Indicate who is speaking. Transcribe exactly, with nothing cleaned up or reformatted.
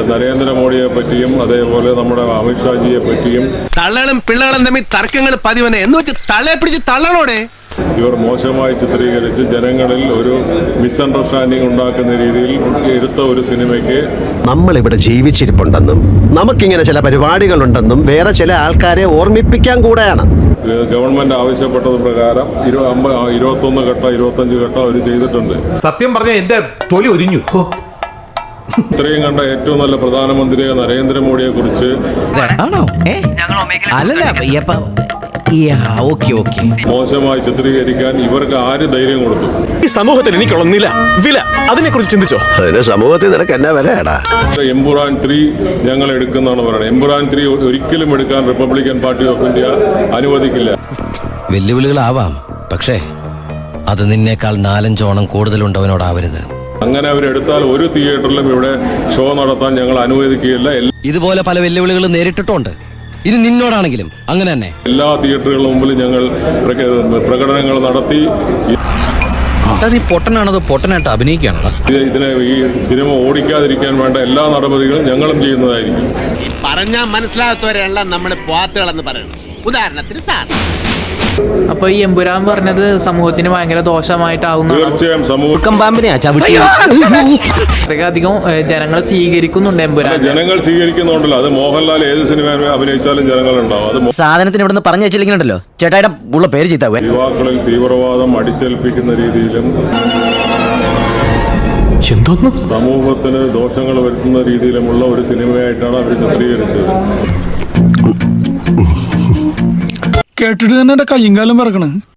Speaker 1: നരേന്ദ്രമോദിയെ പറ്റിയും അതേപോലെ നമ്മുടെ അമിത്ഷാജിയെ പറ്റിയും
Speaker 2: തള്ളകളും പിള്ളകളും തമ്മിൽ തർക്കങ്ങൾ പതിവനെ എന്ന് വെച്ച് തള്ളയെ പിടിച്ച് തള്ളണോടെ
Speaker 1: ഇവർ മോശമായി ചിത്രീകരിച്ച് ജനങ്ങളിൽ ഒരു മിസ്അണ്ടർസ്റ്റാൻഡിംഗ് ഉണ്ടാക്കുന്ന രീതിയിൽ എടുത്ത ഒരു സിനിമയ്ക്ക്
Speaker 3: നമ്മളിവിടെ ജീവിച്ചിരിപ്പുണ്ടെന്നും നമുക്കിങ്ങനെ ചില പരിപാടികളുണ്ടെന്നും വേറെ ചില ആൾക്കാരെ ഓർമ്മിപ്പിക്കാൻ കൂടെയാണ്
Speaker 1: ഗവൺമെന്റ് ആവശ്യപ്പെട്ടത് പ്രകാരം ഇരുപത്തൊന്ന് ഘട്ടം ഇരുപത്തഞ്ച് ഘട്ടം അവർ ചെയ്തിട്ടുണ്ട്.
Speaker 4: സത്യം പറഞ്ഞ എന്റെ തൊലി ഒരിഞ്ഞു.
Speaker 1: ഇത്രയും കണ്ട ഏറ്റവും നല്ല പ്രധാനമന്ത്രിയെ നരേന്ദ്രമോദിയെ കുറിച്ച് മോശമായി ചിത്രീകരിക്കാൻ ഇവർക്ക് ആര് ധൈര്യം കൊടുത്തു?
Speaker 5: ഈ സമൂഹത്തിൽ എനിക്കുള്ള നില വില അതിനെ കുറിച്ച് ചിന്തിച്ചോ?
Speaker 3: അതിന് സമൂഹത്തിൽ നിനക്ക് എന്നാ വിലയാടാ?
Speaker 1: എംപുരാൻ ത്രീ ഞങ്ങൾ എടുക്കുന്നതാണ് പറയുന്നത്. എംപുരാൻ ത്രീ ഒരിക്കലും എടുക്കാൻ റിപ്പബ്ലിക്കൻ പാർട്ടി ഓഫ് ഇന്ത്യ അനുവദിക്കില്ല.
Speaker 2: വെല്ലുവിളികളാവാം, പക്ഷേ അത് നിന്നേക്കാൾ നാലഞ്ചോണം കൂടുതലുണ്ടവനോടാവരുത്.
Speaker 1: അങ്ങനെ അവരെടുത്താൽ ഒരു തിയേറ്ററിലും ഇവിടെ ഷോ നടത്താൻ ഞങ്ങൾ അനുവദിക്കുകയില്ല.
Speaker 2: ഇതുപോലെ പല വെല്ലുവിളികളും നേരിട്ടിട്ടുണ്ട്. ഇനി നിന്നോടാണെങ്കിലും അങ്ങനെ തന്നെ. എല്ലാ
Speaker 1: തിയേറ്ററുകളുടെ മുമ്പിൽ ഞങ്ങൾ പ്രകടനങ്ങൾ നടത്തി.
Speaker 2: പൊട്ടനാണതോ പൊട്ടനായിട്ട് അഭിനയിക്കുകയാണോ?
Speaker 1: ഇതിനെ ഈ സിനിമ ഓടിക്കാതിരിക്കാൻ വേണ്ട എല്ലാ നടപടികളും ഞങ്ങളും ചെയ്യുന്നതായിരിക്കും.
Speaker 6: പറഞ്ഞാൽ മനസ്സിലാകാത്തവരെല്ലാം നമ്മൾ പോത്തുകളെന്ന് പറയുന്നു. ഉദാഹരണത്തിന് സാർ
Speaker 7: അപ്പൊ ഈ എമ്പുരാൻ പറഞ്ഞത് സമൂഹത്തിന് ഭയങ്കര ദോഷമായിട്ടാവുന്നു.
Speaker 1: തീർച്ചയായും സമൂഹം
Speaker 7: അധികം ജനങ്ങൾ സ്വീകരിക്കുന്നുണ്ട് എമ്പുരാൻ.
Speaker 1: ജനങ്ങൾ സ്വീകരിക്കുന്നുണ്ടല്ലോ. അത് മോഹൻലാൽ ഏത് സിനിമ അഭിനയിച്ചാലും ജനങ്ങളുണ്ടാവും. അത്
Speaker 8: സാധനത്തിന് ഇവിടെ നിന്ന് പറഞ്ഞു വെച്ചില്ലെങ്കിലുണ്ടല്ലോ ചേട്ടായുടെ ഉള്ള പേര് ചെയ്താവേ.
Speaker 1: യുവാക്കളിൽ തീവ്രവാദം അടിച്ചേൽപ്പിക്കുന്ന രീതിയിലും സമൂഹത്തിന് ദോഷങ്ങൾ വരുത്തുന്ന രീതിയിലുമുള്ള ഒരു സിനിമയായിട്ടാണ് അവർ ചിത്രീകരിച്ചത്.
Speaker 5: കേട്ടിട്ട് തന്നെ എന്റെ കയ്യും കാലം പറക്കണ്.